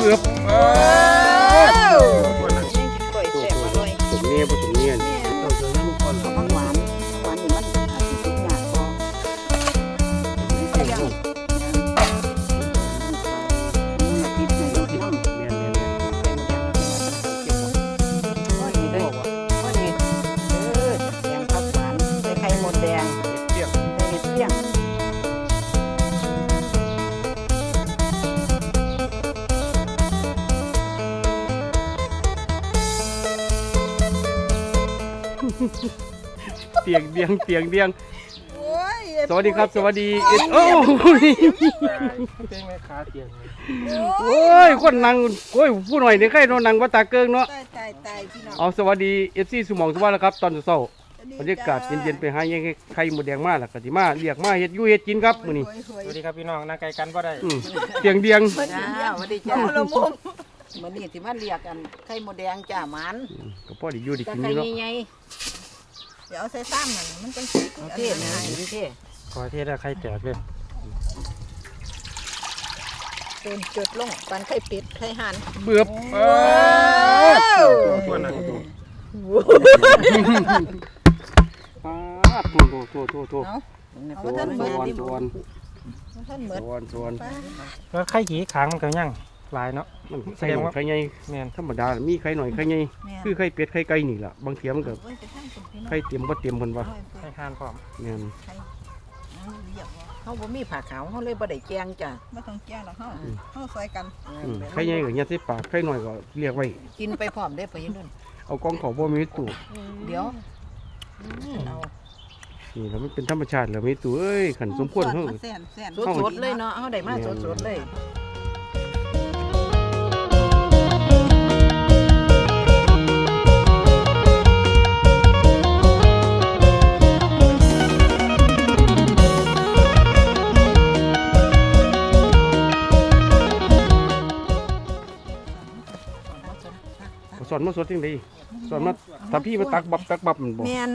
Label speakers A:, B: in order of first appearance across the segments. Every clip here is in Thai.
A: บือบสมเนียผสมเนียนเราจะเริ่มก่อนครับ
B: หวานหวานนี่มันอาจจะสุกยากพอใส่ยังมันติดในรถน้ำ
A: เนียน
B: พอดีเลยพอดีแดงผักหวานใส่ไข่มดแดงใส่เห็ดเปี้ยง
A: เตียงเดียงสวัสดีครับสวัสดีโอ้โอ้ยคนนั่งโอ้ยผู้หน่อยเนี่ยใครนอนนั่งว่าตาเกิงเนาะเอาสวัสดีFCสมองสวัสดีครับตอนเช้าบรรยากาศเย็นๆไปหายังไข่หมดแดงมาล่ะกะสิมาเรียกมาเฮ็ดอยู่เฮ็ดกินครับมื้อนี้
C: สวัสดีครับพี่น้องนั่งไกลกันบ่ได้
A: เตียง
B: สวัสดีจ้ามื้อนี้สิมาเรียกกันไข่มดแดงจ้าหมัน
A: ก็พอได้อยู่ได้กิน
B: ไข่
A: เนาะ
B: ใหญ่
D: เดี๋ยวเอาใส่ซ้ำมันจังสิ
B: โอเคนะเท่
C: ขอเทศได้ไข่แตกเลย
D: เติมจุดลงปันไข่เป็ดไข่ห่าน
A: เบือบตัวน่ะตัวโต
D: เอาท่านเหมือน
A: สวน
D: ท่านเหมือน
C: แล้วไข่ขี้ขางมันก็ยังหลายเนาะ
A: มันใส่ไข่ใหญ่แม่นธรรมดามีไข่หน่อยไข่ใหญ่คือไข่เป็ดไข่ไก่นี่ล่ะบางเทียมันก็ไข่เตรียมบ่เตรียมเพิ่นว่า
C: ไข่ห่านพร้อม
A: แม่น
B: เฮาบ่มีผ้าขาวเฮาเลยบ่ได้แกงจ้ะ
D: บ่ต้องแก้หรอกเฮาซอยกัน
A: ไข่ใหญ่ก็ยัดใส่ปากไข่หน่อยก็เรียกไว้
B: กินไปพร้อมได้ไปนู่น
A: เอากองเขาบ่มีตู้
B: เดี๋ยวเอา
A: นี่แล้วมันเป็นธรรมชาติแล้วมีตู้เอ้ยขันสมควรเฮา
D: แซ่น
B: สดๆเลยเนาะเฮาได้มาสดๆเลย
A: สอนมาสดจังได๋สอนมาถ้าพี่มาตักบับมันบ่
D: แม่น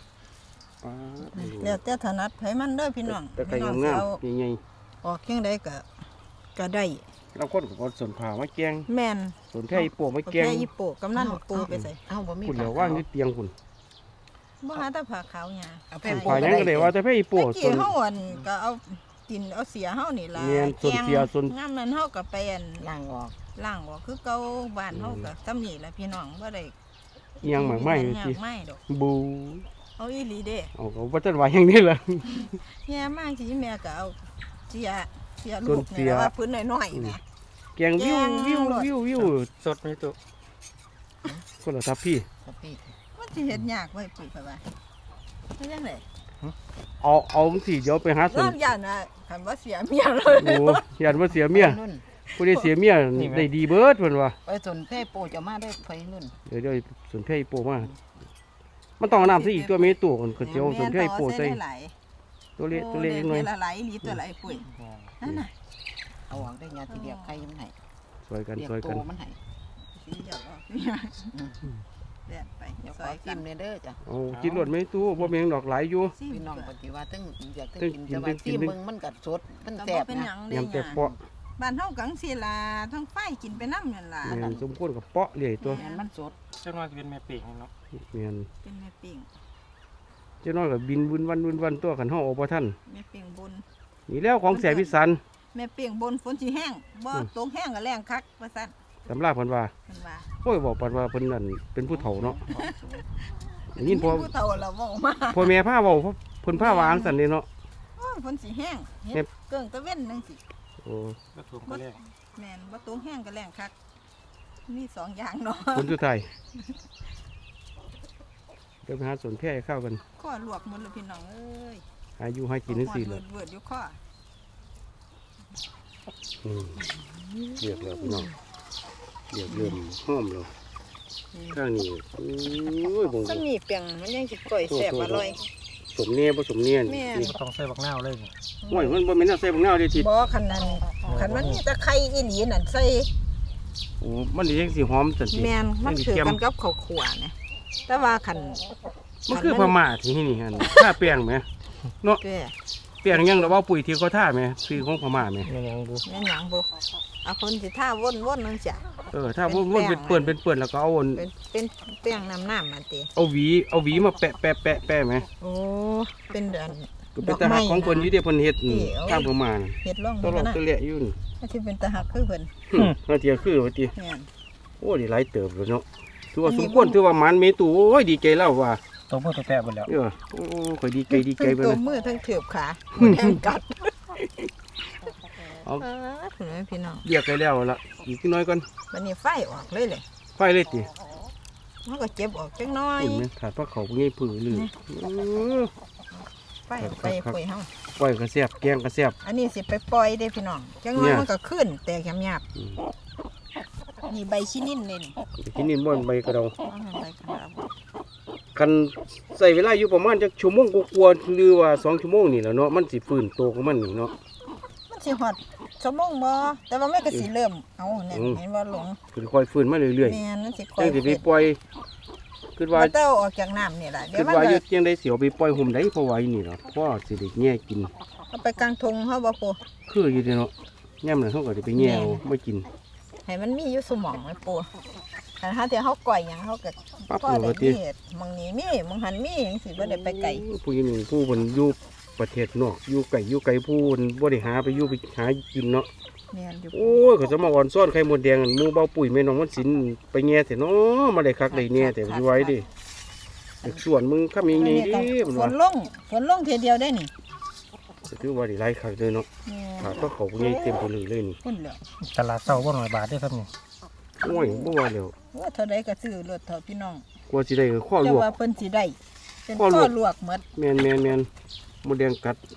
D: แล้วแต่ถนัดไผมันเด้อพี่น้อง
A: แต่ไข่งามๆใหญ่
D: ออกเคียงใดก็ได้
A: ๆเราคนก็สนผ่ามาแกง
D: แม่น
A: สนแค่อีโป่มาแกง
D: แค่อีโปกำนันปูไปใส่
B: เอ้าบ่มี
A: คุณเดี๋ยวว่างอยู่เตียงคุณ
D: บ่หาแต่ผ้าขาวหยา
B: เอาไป
A: ผ่ายังก็ได้ว่าแต่แค่อีโป่
D: ตะ
A: ส
D: กี้
A: น
D: เฮาก็เอากินเอาเสียเฮานี่ล่ะ
A: แม่นส่วนเสียส่วน
D: งามนั้นเฮาก็ไป
B: ล้างออก
D: คือเก่าบ้านเฮาก็ซ้ำนี่ล่ะพี่น้องบ่ได้
A: เอียงหมากไม้สิ
D: ไม่ดอก
A: บู
D: เอาอีหลีเด้
A: เอาก็บ่ทันว่าอย่างนี้ล่ะ
D: แย่มากสิแม่ก็เอาเสียลูกนี่ว่าพื้นน้อยๆนะ
A: แกงวิว
C: สดไหมตุ๊
A: คนละทับพี่
D: มันสิเฮ็ดยากไว้ปุ๋ยไปว่าเฮ็ดจังได๋
A: เอาสิเดี๋ยวไปหาสน
D: น้ำยานน่ะคันว่าเสียเมียเลย
A: โอ้ยันว่าเสียเมียผู้ใดเสียเมียได้ดีเบิดเพิ่นว่า
B: ไปสนแพ่โปจะมาได้ไปนู่น
A: เดี๋ยวสนแค่อีโป่มามันต้องเอาน้ำใส่อีกตัวมีตัวคนก็เจียวสนแค่อีโป่ใส่ตัวเล็กหน่อย
D: ละไหลลีตัวไหลปุ๋ยนั่นน่ะ
B: เอาออกได้ยาทีเดียวใครยังไง
A: ซอยกัน
B: มันให้
D: สิหยอกออกแดดไป
B: เดี๋ยว
D: ซ
B: ขอ
D: อย
B: กิ
D: กัน น
B: เด้อจ้ะ
A: เอากินรวดไม่ตู้บ่มีดอกหลายอยู่
B: พี่น้องปฏิวัติอยากกินจะมาที่มึงมันกัดสดมันแสบ
D: เป็นห
B: นะ
D: ยัง
A: ยำแต่เปาะ
D: บ้านเฮากังสิล่ะทั้งไฟกินไปน้ำนั่นล่ะ
A: แม่นสมควรกับเปาะเรื่อยตัว
B: มันสด
C: เจ้าน้อยจะเป็นแม่ปีกเนาะ
A: แม่น
D: เป็นแม่ปิ่ง
A: เจ้าน้อยก็บินวุ่นวันตัวขันเฮาเอาบ่ทัน
D: แม่ปิ่งบน
A: นี่แล้วของแสบพิสัน
D: แม่ปิ่งบนฝนสิแห้งบ่ตกแห้งก็แรงคักว่าซั่น
A: ตำราเพิ่นว่า
D: เพิ่นว่า
A: โอ้ยบอกปันว่าเพิ่นนั่นเป็นผู้เฒ่าเนาะได้ยินพ่อ
D: ผู้เฒ่าเราเว้ามา
A: พ่อแม่พาเว้าเพิ่นพาวางซั่นนี่เนาะ
D: โอ้ยฝนสิแห้งเฮ็ดเกิ่งตะเว้นจังซี่
A: โอ้
C: ก็ถูกก็แรก
D: แม่นบ่ตกแห้งก็แรงคักมีสองอย่างเนาะ
A: คนสุดท้ายเดี๋ยวไปหาสวนแพร่ข้าวกัน
D: ข้อลวกหมดเลยพี่น้องเอ้ย
A: อายุให้กินจังซี่เลย
D: เวิร์ดอยู่ข้อ
A: เรียกแล้วพี่น้องเรียกเริ่มหอมแล้วข้างนี้โอ้ยบ่ง
D: ซ้ำนี่เปียงมันยังสิก่อยแซ่บอร่อย
A: สมเนียบ่สมเนียน
C: นี่ต้องใส่บักนาวเลยนี่
A: โอ้ยมันบ่แม่นเอาใส่บักนาวเด้ทิศ
D: บ่คันนั้นคันมันมีตะไคร้อีหลีนั่นใส่
A: โอ้มันนี่ยังสิหอมจังซี่
D: แม่นมันถือกันกับข้าวคั่วเนี่ยแต่ว่าคัน
A: มันคือพม่าที่นี่หั่นท่าแป้งแหมเนาะ
D: แก่
A: แป้งยังดอกว่าปุ๋ยที่เขาท่าแหมคือของพม่าแหม
C: แม่ยังดู
D: แม่นหยังบ่เอาคนสิท่าวนๆนึงจ้ะ
A: ถ้าวนเป็นเปื่อนแล้วก็เอา
D: เป็นแป้งน้ำมาติ
A: เอาหวีมาแปะไหม
D: โอ้เป็นเดือน
A: ก็เป็นตาหักของเพิ่นอยู่เด้เพิ่นเฮ็ดทางประมาณ
D: เฮ็ดร่อง
A: ตลอด
D: นะ
A: ตะเละอยู่นี่
D: ที่เป็นตาหักคือเพิ่น
A: นาเทียคือว่าติ
D: แม่น
A: โอ้ดีหลายเติบเลยเนาะถือว่าสมควรถือว่ามันเมตูโอ้ยดีใจแล้วว่า
C: ตัวมือตัวแปะหมดแล้ว
A: โอ้ข่อยดีใจไป
D: ตั
A: เล
D: วย มือทั้งเถือบขาแดงกัด
A: เอา
D: ถึงพี่น้อง
A: เรียกไปแล้วล่ะอีกน้อยก่อน
D: วันนี้ไฟออกเลย
A: ไฟเลยติ
D: มันก็เจ็บออกจังน้อย
A: เห็นไหมขาดพระเขาง่ายผือลือ
D: ไฟไปคุยเฮา
A: ปล่อยกระเสียบแกงกระเสียบ
D: อันนี้สิไปปล่อยได้พี่น้องจังน้อยมันก็ขึ้นแต่หยาบนี่ใบชินินเลยนี่
A: ที่นี่ม่วนใบกระดอง
D: ใบกระดาษ
A: กันใส่เวลาอยู่ประมาณจักชั่วโมงกว่าๆหรือว่า2 ชั่วโมงนี่แหละเนาะมันสิฟื้นโตของมันนี่เนาะ
D: มันสิฮอดชั่วโมงบ่แต่ว่าแม่ก็สิเริ่มเอาเนี่ยเห็นว่าหลง
A: ค่อยๆฟื้นมาเรื่อย
D: แม่นมันสิ
A: ๆ
D: ค่อ
A: จั
D: ย
A: งสิไปปล่อยคิดว่า
D: เต้าออกจากน้ำนี่ล่ะเดี๋ย
A: คิ
D: ว
A: ด
D: มัน
A: ว่าอยู่
D: ก็
A: เจียงได้เสียวไปปล่อยห่มได้เพราะว่าอีนี่เนาะเพราะสิได้แง่กิน
D: เอาไปกลางทงเฮาบ่ปู
A: คืออยู่เด้เนาะย่ำนั้นเขาก็ได้ไปแง่เอาไม่กิน
D: ให้มันมีอยู่สมองไว้ปูคันหาที่เฮาก่อยหยังเฮาก็
A: ปั๊บ
D: พอ
A: เล
D: ได้
A: ยติ
D: มีมองนี้มีมองหันมีจังซี่บ่ได้ไปไกล
A: ผู้หญิงผู้เพิ่นอยู่ประเทศนอกอยู่ไกลผู้เพิ่นบ่ได้หาไปอยู่ไปหากินเนาะ
D: แม่นอยู่
A: โอ้ยเขาจะมาอ่อนซ้อนไข่มดแดงหมู่เบาปุ๋ยแม่น้องมันสินไปแง่แต่เนาะมาได้คักได้แน่แต่อยู่ไว้ดิเด็กส่วนมึงคำยังไงดิมัน
D: ฝ
A: ว่าน
D: ลงเทเดียวได้นี่
A: ถือว่าได้หลายคักเลยเนาะ
D: แม่
A: ขาดก็เขาใหญ่เต็มไปเลยนี่
D: พุ่นแล้ว
C: ตลาดเศร้าบ่หน่อยบาทได้ครับนี่
A: โอ้ยบ่ว่าแล้ว
D: ว่าเท่าใดก็ซื้อรถเท่าพี่น้อง
A: กลัวสิได้ข้อล
D: เจ้าว
A: ก
D: ว่าเพิ่นสิได้เป็น
A: ข้อล
D: ข้
A: ว
D: อก ลวกหมด
A: แม่นมดแดงกัด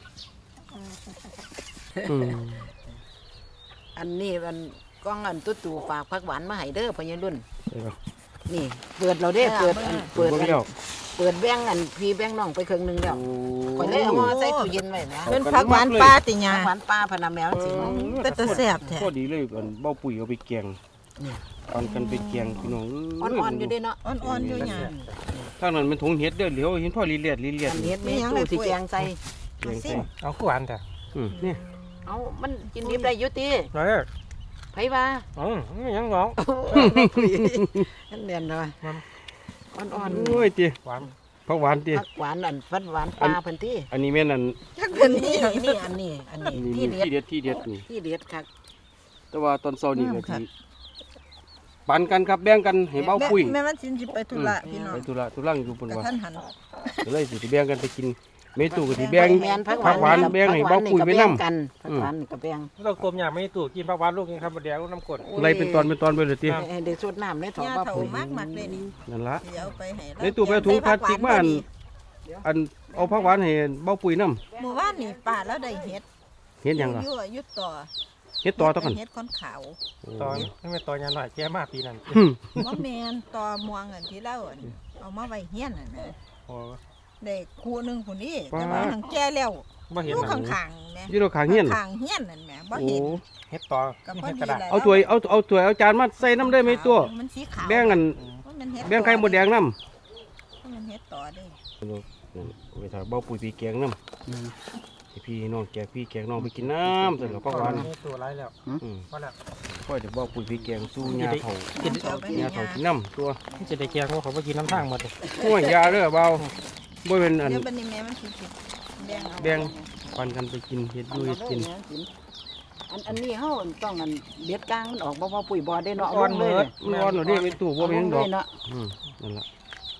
A: อืม
B: อันนี้มันก้องอันตู้ฝากผักหวานมาให้เด้อพ่อใหญ่รุ่น
A: ได้ปะ
B: นี่เปิดเราได้เปิดอันเปิด
A: บิ่ง
B: อัน
A: แล้ว
B: เปิดแบงอันพี่แบงน้องไปครึ่งหนึงแล้ว
A: โอ้
B: ข่อยเลยเอามาใส่ตู้เย็นไว้นะ
D: เป็นผักหวานปลาติหยา
B: ผักหวานปลาพะนาแมวสิ
D: เป็นตาแซ่บแท้
A: พอดีเลยอันเบาปุ๋ยเอาไปแกงตอนกันไปแกงพี่น้อง
B: อ่อนๆอยู่เด้เนาะ
D: อ่อนๆอยู่หยา
A: ทางนั้นมันถุงเห็ดเด้อเหลียวเห็นพ่อลีเลียด
B: อันนี้มีตู้สิแกงใส่
A: แกงใส่
C: เอาคู่อันแต่
A: นี่
B: เอามันกินดิบได้อยู่ติ
C: ร้อย
B: ไผว่า
C: ยังร้อง
B: นั่นเรียนเลยอ่อน
A: โอ้ยติ
C: หวาน
A: ผักหวานติ
B: ๆผักหวานอันฟัดหวานปลาเพิ่นติ
A: อันนี้แม่นอัน
D: จักเป็นนี่
B: นี่อันนี้ที่เด็ด
A: ที่เด็ดนี่
B: ที่เด็ดคัก
A: แต่ว่าตอนเช้านี่ก็สิปันกันครับแบ่งกันให้เบาปุ๋ย
D: แม่มันสิไปธุระพี่น้อง
A: ไปธุระธุรังอยู่เพิ่น
D: กระ
A: ว่า
D: ทันหัน
A: ก็เลยสิแบ่งกันไปกินเมตูก็สิแบ่ง
B: แม่นผัก
A: ผักหวานแบ่งให้เบาปุ๋ยไปนำ
B: กันผักหวานนี่ก็แบ่ง
C: เราต้มยำไม่ตู้กินผักหวานลูกยังครับบ่แดงลูกน้ำกรด
A: อะไรเป็นตอนไปเลยติ
B: ให้ได้สดน้ำได้ถอด
D: ยา
B: ว่า
D: เฒ่า
B: ปุ๋ย
D: มากๆเลยนี่
A: นั่นล่ะ
D: เดี๋ยวเอาไปให้
A: ในตู้ไปถุงพลาสติกมาอันเอาผักหวานให้เบาปุ๋ยนำ
D: หมู่บ้านนี่ป้าแล้วได้เฮ็ด
A: เฮ็ดหยังล่ะ
D: อยู่ต่อ
A: เฮ็ดต่อตะกัน
D: เฮ็ดก้อนขาว
C: ตอนไม่เป็นตอนยันหน่อยแก่มากปีนั้น
D: บ่แม่นต่อม่วงอันที่เราอันเอามาไว้เฮียนน่ะนะ
C: โอ้
D: ได้คู่หนึงผู้นี้แต่ว่าทางแก่แล้ว
C: บ่
D: อ
C: เห็น
D: ยู่
C: หนัง
D: ข้างๆแหม่
A: อยู่ตรงข้างเฮียน
D: ข้างเฮียนนั่นแหม่บ่
A: โอ้
D: เห็น
C: เฮ็ดต่อ
D: ก็พอ
C: เฮ็ด
D: ดี
C: กระดาษ
D: แล้ว
A: เอาถ้วยเอาจานมาใส่น้ำได้ไหมตัว
D: มันสีขาว
A: แบ่งกัน
D: มันเฮ็ด
A: แบ่งไข่มดแดงน้
D: มันเฮ็ดต่อเด้
A: ำไปถ่ายเบาปุ๋ยปีแกงน้ำให้พี่น้องแกพี่แกงน้องไปกินน้ำเสร็จแล้วก็หวาน
C: นี่ตัวไรแล้วพอแล้ว
A: ค่อยเดี๋ยวเบาปุ๋ยปีแกงสู้ยาเผา
D: กินเอาไปให้
A: ยาเผากินน้ำตัว
C: ที่จะได้แกงว่าเขาไปกินน้ำทางหมดเลย
A: ห้วยยาเด้อเบาบ่เป็นอัน
D: เดี๋ยวบัดนี้แม่มันสิแบ่งเอา
A: แบ่งปันกันไปกินเฮ็ดอยู่เฮ็ดกิน
B: อันนี้เฮาต้องอันเด็ดกลางมันออกบ่ปุ๋ยบ่ได้เนาะ
C: อ่อนเหมือด
A: มันร้อนหน่อยเด้ไปตู้บ่เป็นหยังดอก
B: เนาะ
A: นั่นล่ะ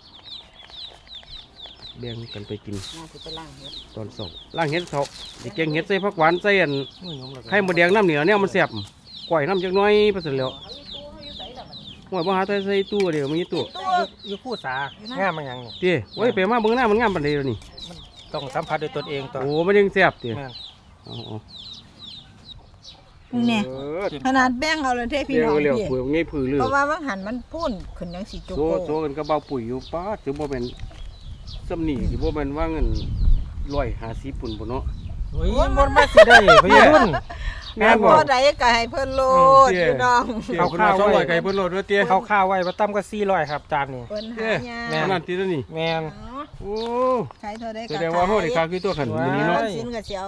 A: แบ่งกันไปกิน
B: น่าสิไปล้างเฮ็ด
A: ตอนเช้าล้างเฮ็ดเช้าสิแกงเฮ็ดใส่ผักหวานใส่อัน
C: มือยมเลย
A: ไข่มดแดงน้ำเหนียวเนี่ยมันแซ่บก้อยน้ำจักหน้อยไปเสร็จแล้วห่วยบ่หาใส่ตู้เดี๋ยวมีตู้
C: อยู่คู่สางามมันยังนี่
A: ติโอ้ยไปมาเบิ่งหน้ามันงามปานใดเดี๋ยวนี้
C: ต้องสัมผัสด้วยตนเองต่อ
A: โอ้มันยังแซ่บติ
C: แม่น
A: อ๋อ
D: เนี่ยขนาดแบ่งเอาเลยเท่พี่
A: เดี๋ย
D: น้
A: ว
D: อง
A: เร็ว
D: พี่
A: เผื่อง่ายผือลือ
D: เพราะว่าบางหันมันพุ่นขึ้นจังสิจุก
A: โซ่
D: โก
A: โซ่กันก็เบาปุ๋ยอยู่ป้าดถึงบ่แม่นซ้ำนี่สิบ่แม่นว่าเงิน150ปุ่นบ่เนาะ
C: โอ้ยมันมาสิได้พี่รุ่น
A: แม่นบ่
D: พอใดก็ให้เพิ่นโลดพี่น้อง
A: เอาข้าวไว้200ไก่เพิ่นโลดเด้อเตี้ย
C: เขาข้าวไว้มาตั้มก็400ครับจานนี้
D: เพิ่นหายา
C: แม่
A: ขนาดที่ตัวนี้
C: แม่น
A: โอ้
D: ใช้เท่าใดก็
A: แสดงว่าเฮาได้ค่าคือตัวขันมื้อนี้เนาะ
D: สินก็สิเอาไป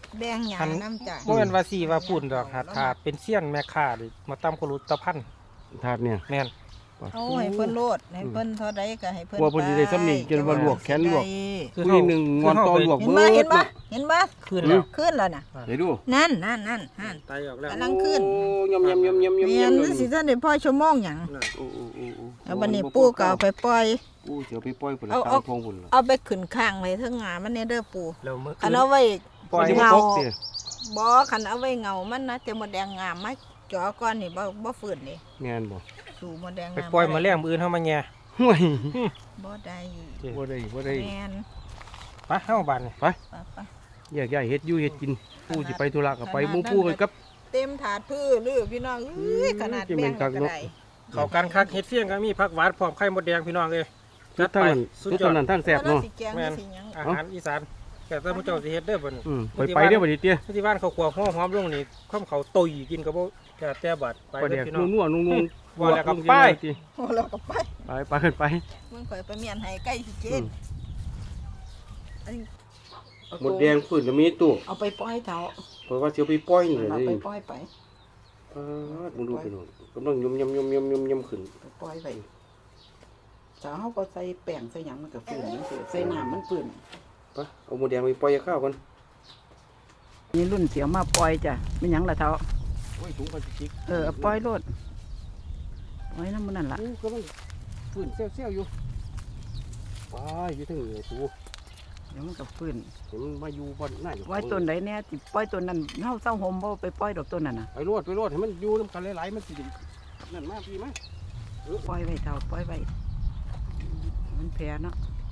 D: แดงหยาน้ำจ้ะ
C: บ่แม่นว่าสิว่าปุ่นดอกถ้าเป็นเสี้ยนแม่ค้านี่มาตำกรุตะพัน
A: ถาดเนี่ย
C: แม่น
D: เอาให้เพิ่นโลดให้เพิ่นเท่าใดก็ให้เพิ่น
A: ว่าเพิ่นสิได้ซ้ำนี่จนว่าลวกแขนลวก
C: คือ
A: ผู้หนึงงอนตอลวก
D: เห็น
A: เบิ
D: บ่
A: ด
D: เห็นบ่
A: น่ะ
D: เห็นบ่
C: ขึ้นแล้ว
D: ขึ้นแล้วน่ะ
A: เดี๋ยวดู
D: นั่น
C: ตายออกแล้ว
D: กำลังขึ้น
A: โอ้ยำๆๆๆๆ
D: แม่นสิท่านได้พ่อชั่วโมงหยัง
A: โอ้ๆๆๆ
D: แล้วบัดนี้ปู่ก็เอาไปปล่อย
A: ปู่เสียวไปปล่อยพุ่น
D: เอา
A: ตามทงพุ่นล่ะ
D: เอาไปขึ้นข้างไว้เทิงงามันเนี่ยเด้อปู่
C: แล้วมื้อ
D: คันเอาไว้
C: ปล่อย
A: มันสิบ่
D: เงา
A: ตกติ
D: บ่คันเอาไว้เงามันนะแต่มดแดงงามมาจ่อก่อนนี่บ่ฟื้นนี่
A: แม่นบ่
D: สู่มดแดง
C: ไป
D: งาม
C: ปล่อยมาแล้งมื้ออื่นเฮามาแย่
A: ห่วย
D: บ่ได้
A: บ่ได้บ่ได้
D: แม่น
C: ไปเฮาบ้านนี่
D: ไป
A: แยกย้ายเฮ็ดอยู่เฮ็ดกินปู่สิไปธุระก็ไปหมู่ปู่ไปกับ
D: เต็มถาดพื้นหรือพี่น้องเอ้ยขนาด
A: จะ
D: แบ่
A: เป็
D: ง
A: นคัก
D: ก็
A: เนาะ
D: ได้
C: เข้ากันคักเฮ็ดเฟี้ยงก็มีผักหวานพร้อมไข่มดแดงพี่น้องเอ้ย
A: จุดเท่านั้น
C: สุด
A: จุด
C: ยอ
A: เท่า
C: ด
A: นั้นทางแซ่บเนาะ
D: สิแกงหรือสิหยัง
C: อาหารอีสานแต่ถ้าผู้เจ้าสิเฮ็ดเด้อบัดนี้
A: ไปเด้อบัดนี้เตี้ย
C: ที่บ้านเขาขัวหัวหอมลงนี่ความเขาตุยกินก็บ่แต่บาดไป
A: ปลาแด
C: เด้อก พี่น้อง
A: นัวๆนุ่งๆ
C: ว่าแล้วก็ไป
D: โอ้เราก็ไป
A: ไปขึ้นไป
D: มึงข่อยไปเมียนให้ใกล้สิกินอันนี้
A: หมดแดงพื้นก็มีตู้
B: เอาไปปล่อยเถา
A: เพราะว่าสิเอาไปปล่อยนี่
B: เอา
A: เลย
B: ไปปล่อยไป
A: มึงดูไปโน่นกำลังยำขึ้น
B: ไปปล่อยไปเช้าเขาก็ใส่แป้งใส่หยังมันก็ฟื้นจังซี่ใส่น้ำมันฟื้น
A: ไปเอาหมดแดงไปปล่อยข้าวก่อน
B: นี่รุ่นเสียวมาปล่อยจ้ะไม่หยังละเท่า
A: โอ้ยถุงพลาสติก
B: เอาปล่อยโลดปล่อยน้ำมันนั่นละ
A: กำลังฟื้นเซี่ยวๆอยู่ไปอยู่ถึงเหนือตู
B: เดี๋ยวมันก็ฟื้น
A: เห็นมาอยู่บนหน้าอยู่
B: ปล่อยต้นไหนเนี่ยสิปล่อยต้นนั้นเฮาเศร้าหมบ่ไปปล่อยดอกต้นนั้นน่ะ
A: ไปรวดให้มันอยู่น้ำกันหลายๆมันสินั่นมาพี่มา
B: ปล่อยไว้เท่าปล่อยไว้มันแพ้เนาะ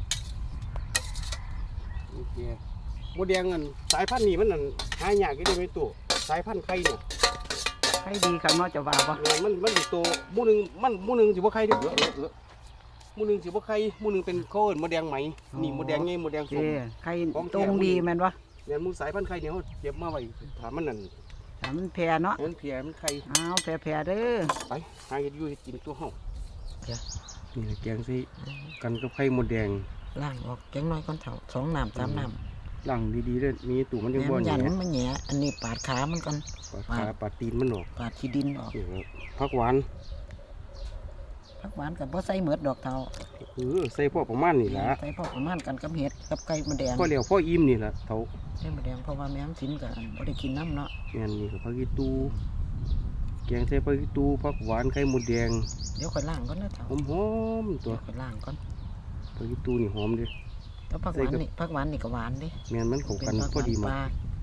A: โอเคหมดแดงอันสายพันธุ์นี่มันนั่นหายากอยู่ในตู้สายพันธุ์ไข่เนี่ย
B: ใครดีครับเนาะจะว่าบ่
A: มันสิโตหมู่หนึงหมู่หนึงสิบ่ไข่เด้อหมู่หนึงสิบ่ไข่หมู่หนึงเป็นโคเอิ้นหมดแดงไหมนี่หมดแดงใหญ่หมดแดงส้ม
B: ใครตรงดีแม่นบ่
A: เนี่ยหมูสายพันธุ์ไข่เนี่ยเขาเก็บมาไว้ถามมันนั่น
B: ถ้ามันแพ้เนาะ
A: มันเพียมันไข่
B: อ้าวแพ้เด้อ
A: ไปหาเห็ดอยู่เห็ดกินตัวเฮา
B: เดี๋ยว
A: นี่แหละแกงสิกันกับไข่มดแดง
B: ล้างออกแกงน้อยก่อนเท่า2 น้ำ 3 น้ำ
A: ล้างดีๆเด้อมีตู่มันยังบ่
B: แม่นยัน
A: แห
B: มั
A: น่
B: นมาแหย่อันนี้ปาดขามันก่อน
A: ปาดขาปาดตีนมันออก
B: ปาดขี้ดินออก
A: นี่ครับผักหวาน
B: ผักหวานกับบ่ใส่เหมือดดอกเท่า
A: ใส่พอประมาณนี่ล่ะ
B: ใส่พอประมาณกันกับเห็ดกับไก่มดแดง
A: พอแล้วพออิ่มนี่ล่ะเฒ่า
B: ไก่มดแดงเพราะว่าแม่มสินก็บ่ได้กินน้ำเนาะ
A: แม่นนี่ก็ผักอีตูแกงใส่ผักอีตูผักหวานไข่มดแดง
B: เดี๋ยวค่อยล้างก่อนนะเท่า
A: หอมๆตัว
B: เดี๋ยวค่อยล้างก่อน
A: ผักอีตูนี่หอมเด้อ
B: แล้วผักหวานนี่ผักหวานนี่ก็หวานเดิ
A: แม่นมันเข้ากัน
B: ผัก
A: พอดี
B: ป
A: มาก
B: ลา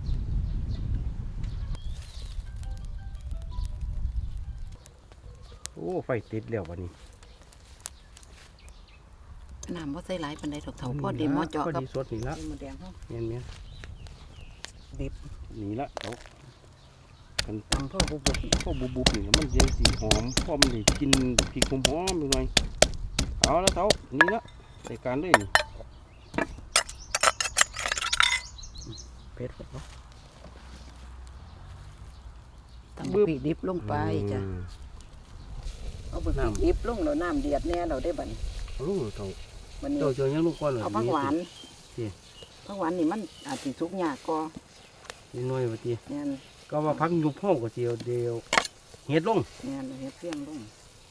A: โอ้ไฟติดแล้วบัดนี้
B: น้ำบ่ใส่หลายปานใดดอกเท่าพอดีหม้อเจาะ
A: พอ
B: กับ
A: ดีสดนี่ละ
B: ไก่มดแดงเฮา
A: แม่น
B: ดิบ
A: ๆนี่ละเฒ่ากัน
B: ตังพ่อบุบ
A: พอบุบๆนี่แล้วมันยังสีหอมพอมันได้กินพริกหอมๆหน่อยเอาแล้วเต้านี่ละใส่การเลยนี่
B: เผ็ดบ่ตั้งปีดิบลงไปจ้ะเอาไปดิบลงแล้วน้ำเดือดแน่เราได้บัดนี้
A: เอาลูกเต้า
B: บัดนี้
A: เต้าเจอยังลูกก้อนเลย
B: เอาผักหวาน
A: นี่
B: ผักหวานนี่มันอาจสิสุกยากก็
A: นิดหน่อยว่าติ
B: แม่น
A: ก็ว่าพักยุบห้องก็เจียวเดียวเฮ็ดลง
B: แม่นเฮ็ดเพียงลง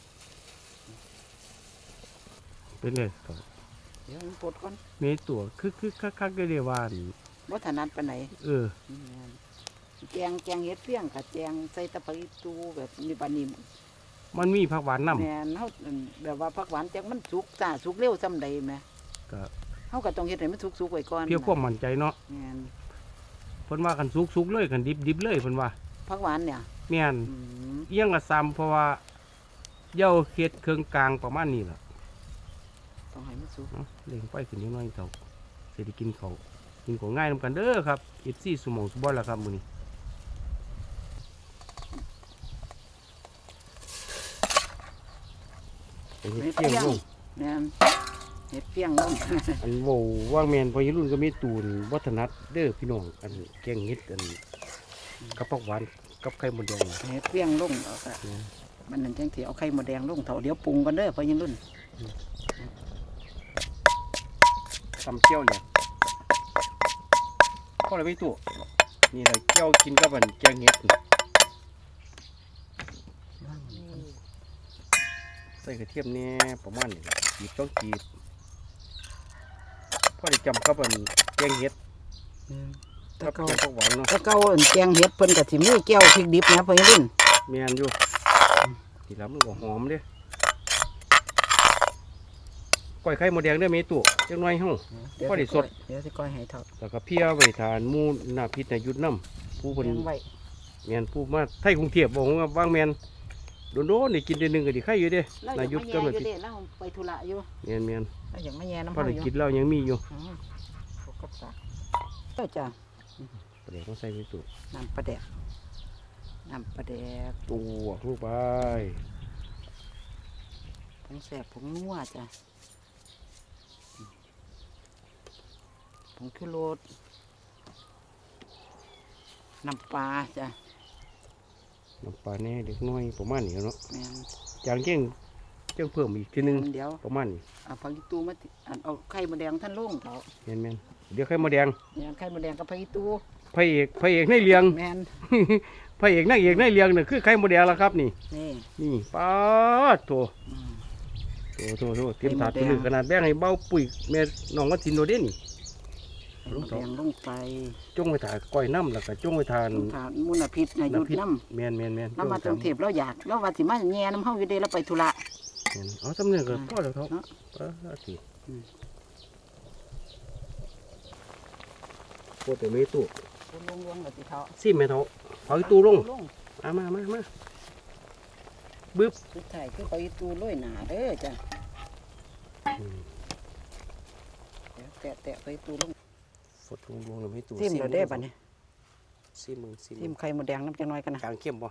A: เป็นเลยเต้า
B: เดี๋ยวมันปลดก่อน
A: มีตัวคือคักๆได้เลยว่านี่
B: บ่ถนัดปานใด
A: เออ
B: แกงเฮ็ดเพียงกับแกงใส่ตะไคร้ตูแบบนี้ปานนี้
A: มันมีผักหวานนำ
B: แม่นเฮาแบบว่าผักหวานจักมันสุกจ้าสุกเร็วซำใดแหม
A: ก็
B: เฮาก็ต้องเฮ็ดให้มันสุกๆไว้ก่อน
A: เพียงความมั่นใจเนาะ
B: แม่น
A: เพิ่นว่ากันสุกๆเลยกันดิบๆเลยเพิ่นว่า
B: ผักหวานเนี่ย
A: แม่น
B: อืม
A: เอียงละซ้ำเพราะว่าเหย้าเฮ็ดเครื่องกลางประมาณนี้ล่ะ
B: ต้องให้มันสุก
A: เนาะเล่งไฟขึ้นนิดหน่อยเต้าสิได้กินข้าวกินของง่ายนำกันเด้อครับ FC สมองสุบอยล่ะครับมื้อนี้ไปเฮ็ดเที่ยงลง
B: แม่นเฮ็ดเพียงลง
A: อันโว้ว่างแม่นพอยี่รุ่นก็มีตูนวัฒนัดเด้อพี่น้องอันแกงเฮ็ดอันกับผักหวานกับไข่มดแดง
B: เฮ็ดเพียงลงเอาก็มันนั่นจังสิเอาไข่มดแดงลงเถาเดี๋ยวปรุงกันเด้อพอยังรุ่น
A: ตำเชี่ยวเนี่ยพอเลยไม่ตัวนี่เราเกี่ยวกินกับมันแกงเห็ดใส่กระเทียมเนี่ยประมาณนี้จีบต้องจีบพอได้จำกับมันแกงเห็ดกับแกงผักหวานเนาะ
B: ถ้าเก่าแกงเห็ดเพิ่นก็สิมีแก้วพริกดิบนะเพิ่นรุ่น
A: แมนอยู่ทีแล้วมันก็หอมเด้ก้อยไข่มดแดงได้ไหมตู่จังน้อยเฮา พอได้สด
B: เดี๋ยวสิก้อยให้เถาะ
A: แล้วก็เพียไว้ทานหมูหน้าพิษในยุดน้ำผู้คน
B: เลี้ยงไว้
A: แมนผู้มาไทยกรุงเทพบอกว่าบางแมนโดนๆนี่กินเดือนหนึงก็ไดีไข่อยู่เด้
B: แล้ว
A: นา
B: อยาก
A: ยุด
B: มา
A: ก็
B: แย่
A: มา
B: อยู่
A: พิษ
B: เด้แล้วไปธุระอยู่
A: แมน
B: แล้วอยากมาแย่น้ำ
A: พอ
B: เฮา
A: ได้
B: อยู่
A: กินแล้วยังมีอยู่
B: ปกติเจ้าจ้ะ
A: เดี๋ยวต้องใส่ไปตู่
B: น้ำปลาแดกน้ำปลาแดก
A: ตัวลูกไป
B: ผงแสบผงนัวจ้ะผงชูรสน้ำปลาจ้ะ
A: น้ำปลาแน่เด็กน้อยประมาณนี้เนาะ
B: แม่น
A: จางเก่งจังเพิ่มอีกทีหนึง
B: เดี๋ยว
A: ประมาณนี้
B: เอาผักอีตูมาติเอาไข่มดแดงท่านลุงเถาะ
A: แมนเดี๋ยวไข่มดแดง
B: เนี่ยไข่มดแดงกับผักอีตู
A: พระเอกในเรียง
B: แม่น
A: พระเอกนางเอกในเรียงเนี่ยคือไข่มดแดงแล้วครับนี่
B: นี่
A: นี่ป้าดโถ
B: อืม
A: โถเตรียมถาด
B: ไข่มดแดง
A: ตัวนึงขนาดแบ่งให้เบ้าปุ๋ยแม่น้องวัดจินโดเด่น
B: ไข่มดแดงลงไป
A: จงไปถ่ายก้อยน้ำแล้วก็จงไปทาน
B: ผ่านมุนพิษนะหยุดน้
A: แมน
B: ำแล้วมาตรงเทพเราอยากแล้วว่าสิมาแย่น้ำเฮาอยู่เด้แล้วไปธุระ
A: แม่นเอาสำเนียงก็พ่อแล้วครับ
B: เนาะ
A: สิ
B: อืม
A: โคตรไม่ตู้
B: ลงแบบที่เขา
A: ซิมแม่เถาเอาอีตู้ลง
B: ลง
A: มาบึ๊บ
B: สุดท้ายคือไปตูโรยหนาเด้อจ้ะเดี๋ยวแตะไปตูลง
A: ฟดลงแล้วไม่ตู้
B: ซิมเราได้ป่ะเนี่ย
A: ซิม
B: ซิมไข่มดแดงน้ำจะน้อยกันนะ
A: กลางเข้มบ่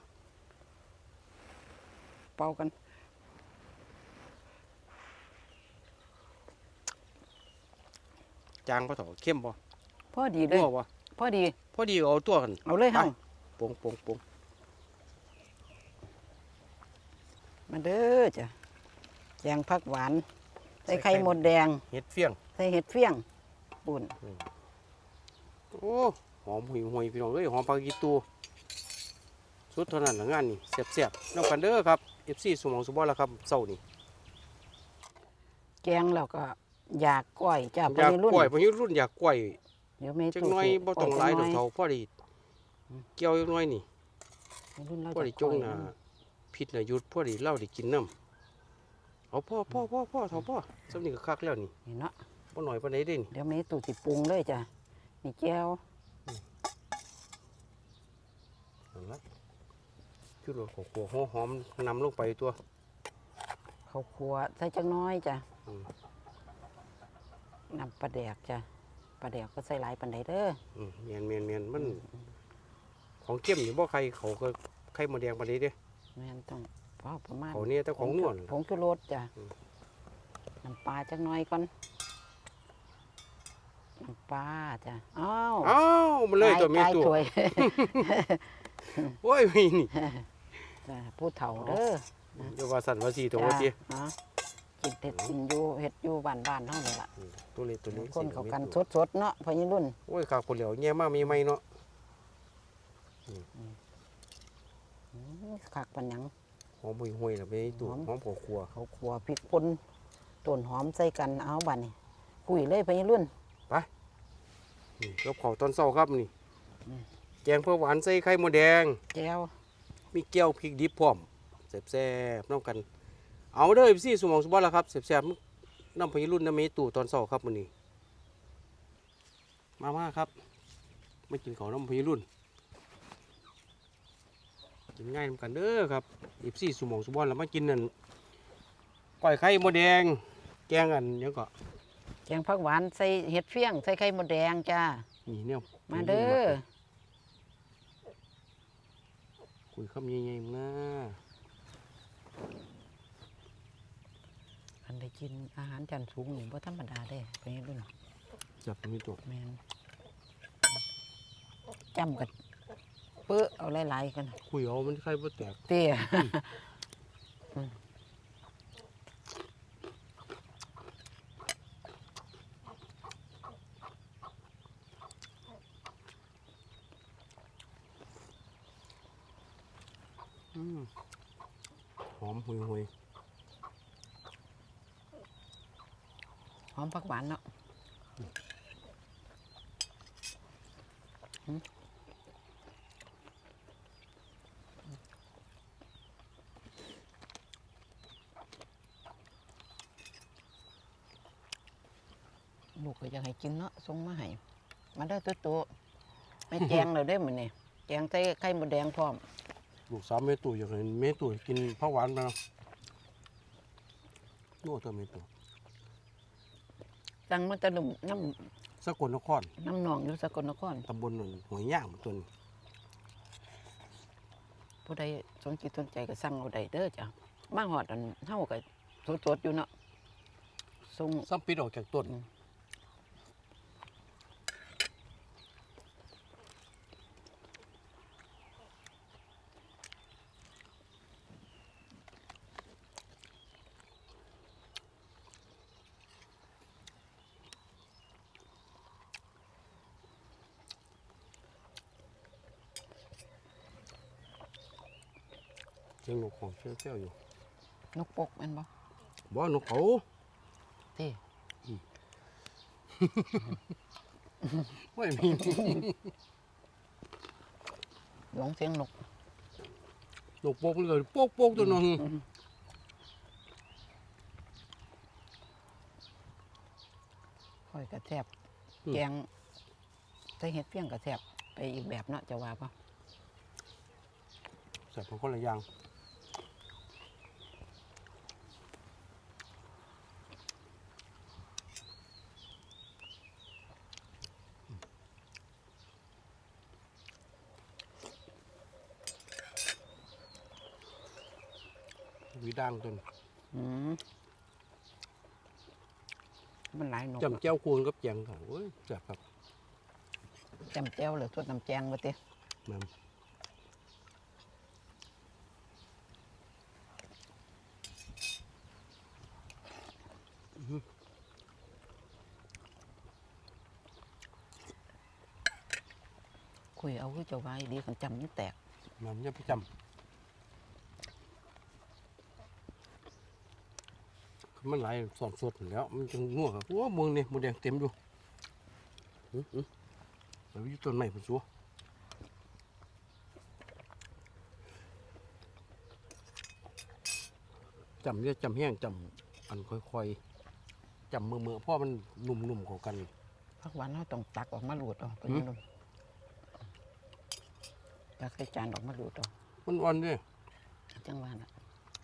B: เป่ากัน
A: จางบ่เถาเข้มบ่
B: พอดีเลย
A: นัวบ่
B: พอดี
A: พอดีเอาตัวกัน
B: เอาเลยเฮา
A: ปง
B: มาเด้อจ้ะแกงผักหวานใส่ไข่มดแดง
A: เฮ็ดเฟี้ยง
B: ใส่เห็ดเฟี้ยงปุ่น
A: โอ้หอมหุยพี่น้องเอ้ยหอมปลากีตูสุดเท่านั้นละงานนี่แซ่บๆน้ำกันเด้อครับ FC สมองสุบอลแล้วครับเช้านี่
B: แกงแล้วก็อยากก้อยจ้ะ
A: อยาก
B: รุ่น
A: กล้วยพอรุ่นอยากกล้วย
B: เดี๋ยวแม่
A: จักหน้อยบ่ต้องหลายดอกเท่าพอดีเกี่ยวจักหน้อยนี่
B: รุ่นเรา
A: พอดีจงน่ะพิษน่ะหยุดพอดีเล่าได้กินน้ำเอาพ่อเท่าพ่อสำนี้ก็คักแล้วนี่
B: นี่เนาะ
A: บ่หน่อยปานใดเด้นี่
B: เดี๋ยวแม่ตู่สิปรุงเลยจ้ะนี่แก้ว
A: นั่นล่ะจุดของขัวหอมนำลงไปตัว
B: ข้าวคั่วใส่จังน้อยจ้ะ
A: อืม
B: น้ำปลาแดกจ้ะปลาแดกก็ใส่หลายปานใดเด้อ
A: แม่นมันของเข้มนี่บ่ใครเขาก็ไข่มดแดงปานใดเด้
B: แม่นต้องพอประมาณ
A: เขาเนี่ยแต่ของนวล
B: ผงชูรสจ้ะน้ำปลาจังน้อยก่อนน้ำปลาจ้ะอ้าว
A: อ้าวมันเลยตัวมี
B: กาย
A: ตัว
B: ถ้วย
A: โอ้ยมีนี่
B: จ้ะผู้เฒ่าเด้อ
A: เดี๋ยวว่าสั่นว่าสีตัว
B: จ้ะ
A: ว่าติ
B: อ๋อกินเห็ดกินอยู่เห็ดอยู่บ้านๆเท่านี้ล่ะ
A: ตัวเล็กตัวนี้
B: คนเขากันสดๆเนาะพอยี่รุ่น
A: โอ้ยขากคนเหลียวแย่มากมีไหมเนาะ
B: คักปันหยัง
A: หอมห่วยๆแล้วไปตัวหอมผัวครัว
B: เขาขัวพริกป่นต้นหอมใส่กันเอาบัดนี่คุยเลยพอยี่รุ่น
A: นี่กับข้าวตอนเช้าครับนี่แกงเพื่อหวานใส่ไข่มดแดง
B: แก้ว
A: มีแก้วพริกดิบพร้อมแซ่บๆน้ำกัน เอาเด้อพี่สมองสุบอลแล้วครับแซ่บๆน้ำพยรุ่นน้ำเมตู่ตอนเช้าครับมื้อนี้มาครับไม่กินข้าวน้ำพยรุ่นกินง่ายน้ำกันเด้อครับพี่สมองสุบอลแล้วมากินนั่นก้อยไข่มดแดงแกงอันเดี๋ยวก็
B: แกงผักหวานใส่เห็ดเฟี้ยงใส่ไข่มดแดงจ้า
A: นี่เนี่ย
B: มาเด้อ
A: คุยคำใหญ่ๆนะ
B: อันได้กินอาหารจานสูงนี่บ่ธรรมดาเด้พอยี่รุ่น
A: จับมีตัว
B: แมนจำกันเปื้อเอาหลายๆกัน
A: คุยเอามันไข่บ่แตก
B: เตี้ย
A: อมหุย
B: หอมผักหวานเนาะลูกก็อยากให้กินเนาะส่งมาให้มาได้ตัวไม่แจงเลยได้เหมือนนี่แจงใส่ไข่มดแดงพร้อม
A: ลูกสาวเมตุอยากเห็นเมตุกินผักหวานไปเนาะโน่เธอเมตุ
B: ตั้งมันจะนุ่มน้
A: สกลนคร
B: ำน้ำหนองอยู่สกลนคร
A: ตำบลหนุนหัวยย่างตัวนี้
B: ผู้ใดสนจิตสนใจก็สั่งเอาได้เด้อจ้ะมาหอดอันเฮาก็สดๆอยู่เนาะส่ง
A: ซ้ำปิดออกจากต้นเสียงนกของเชี่ยวๆอยู่
B: นกปกแม่นบ่
A: บ่นกเขา
B: ที่
A: ไม่มี
B: หลงเสียงนก
A: นกโป๊กเลยโป๊กตัวนึง
B: ค่อยกระแทบแกงใส่เห็ดเพียงกระแทบไปอีกแบบเนาะจะว่าป่ะ
A: ใส่ของคนละอย่างวีดังตัวนี้
B: มันหลายนก
A: จำเจ้าคูณกับแจงค่ะโอ้ยแซ่บครับ
B: จำแจ้วเลยสดน้ำแจงมาเต้
A: แม่น
B: คุยเอาคือเจ้าไว้ดีกันจำนี่แตก
A: แม่นอย่าไปจำมันหลายสอนสดแล้วมันจะง่วงครับโอ้มึงนี่หมดแดงเต็มอยู่ไปอยู่ต้นไม้พุ่นซัวจำเนี่ยจำแห้งจำอันค่อยๆจำมือเพราะมันนุ่มๆกว่ากัน
B: พักหวานเราต้องตักออกมาหลุดออกไปนี่ลงตักใส่จานออกมาหลุดออก
A: มันอ่อนด้วย
B: จังหวะน่ะ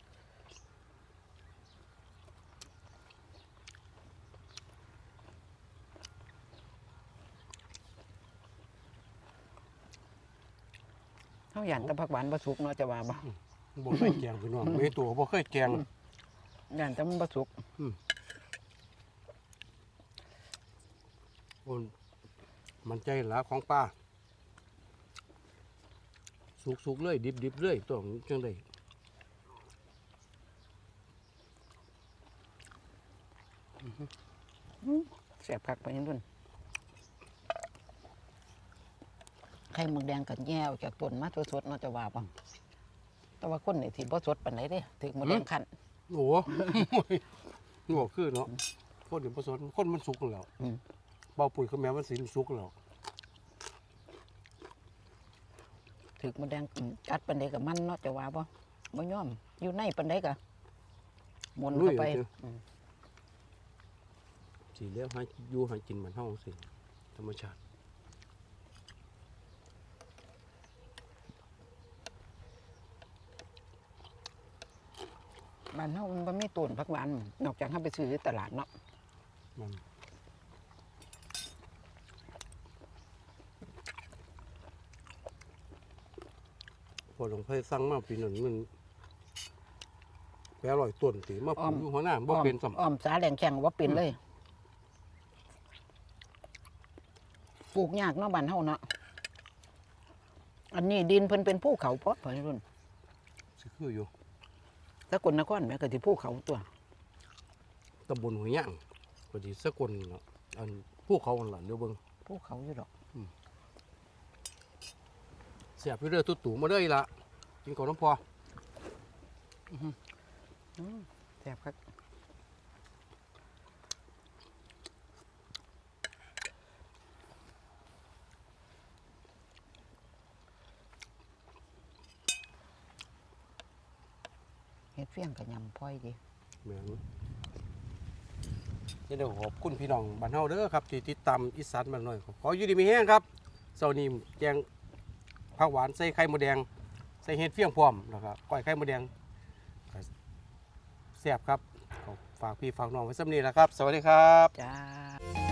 B: เขาหยันแต่ผักหวานบะสุกเนาะจะว่าบ่
A: บ่เคยแกงพี่น้องไม่ตัวบ่เคยแกง
B: หยันแต่มันบะสุก
A: มันใจหลาของป้าสุกๆเลยดิบๆเลยตัวของจังได๋
B: แสบคักไปนี่รุ่นไข่หมึกแดงกับแย่ออกจากต้นมาสดๆเนาะจะว่าบ่แต่ว่าคนนี่ที่บ่สดปานใดเด้ถึงหมึกแดงคั่น
A: โอ้โห นี่บอกคือเนาะคนเดี๋ยวผสมคนมันสุกแล้วเบาปุ๋ยเขาแม้มันสิสุกแล้ว
B: ถึกหมึกแดงกัดปานใดกับมันเนาะจะว่าบ่ยอมอยู่ในปานใดก็หมุนเข้าไป
A: สิแล้วให้อยู่ให้กินมันเฮาสิธรรมชาติ
B: บ้านเฮามันบ่มีต้นผักหวานนอกจากเฮาไปซื้อที่ตลาดเนาะ
A: มันพอหลวงพ่อสั่งมาปีนั้นมัน800ต้นติมาปลูกอยู่หัวหน้าบ่เป็นซ้ำ
B: อ้อมสาแหลงแข็งบ่เป็นเลยปลูกยากเนาะบ้านเฮาเนาะอันนี้ดินเพิ่นเป็นภูเขาพอพี่รุ่น
A: สิคืออยู่
B: สกลนครแม่ก็สิภูเขาตัว
A: ตำบลหัวย่างก็สิสกลเนาะอันภูเขาหั่นล่ะเดี๋ยวเบิ่ง
B: ภูเขาอยู่ดอก
A: เสียบอยู่เด้อตุ๊ตู่มาเด้ออีหละกินก่อนน้ำพอ
B: แซ่บครับเฮ็ดเฟี้ยงกับยำพ่อยดี
A: แม่นเดี๋ยวขอบคุณพี่น้องบ้านเฮาเด้อครับที่ติดตามอีสานบ้านน้อยขออยู่ดีมีแห้งครับเช้านี้แกงผักหวานใส่ไข่มดแดงใส่เห็ดเฟี้ยงพร้อมแล้วก็ก้อยไข่มดแดงแซ่บครับขอฝากพี่ฝากน้องไว้สำนี้แหละครับสวัสดีครับ
B: จ้า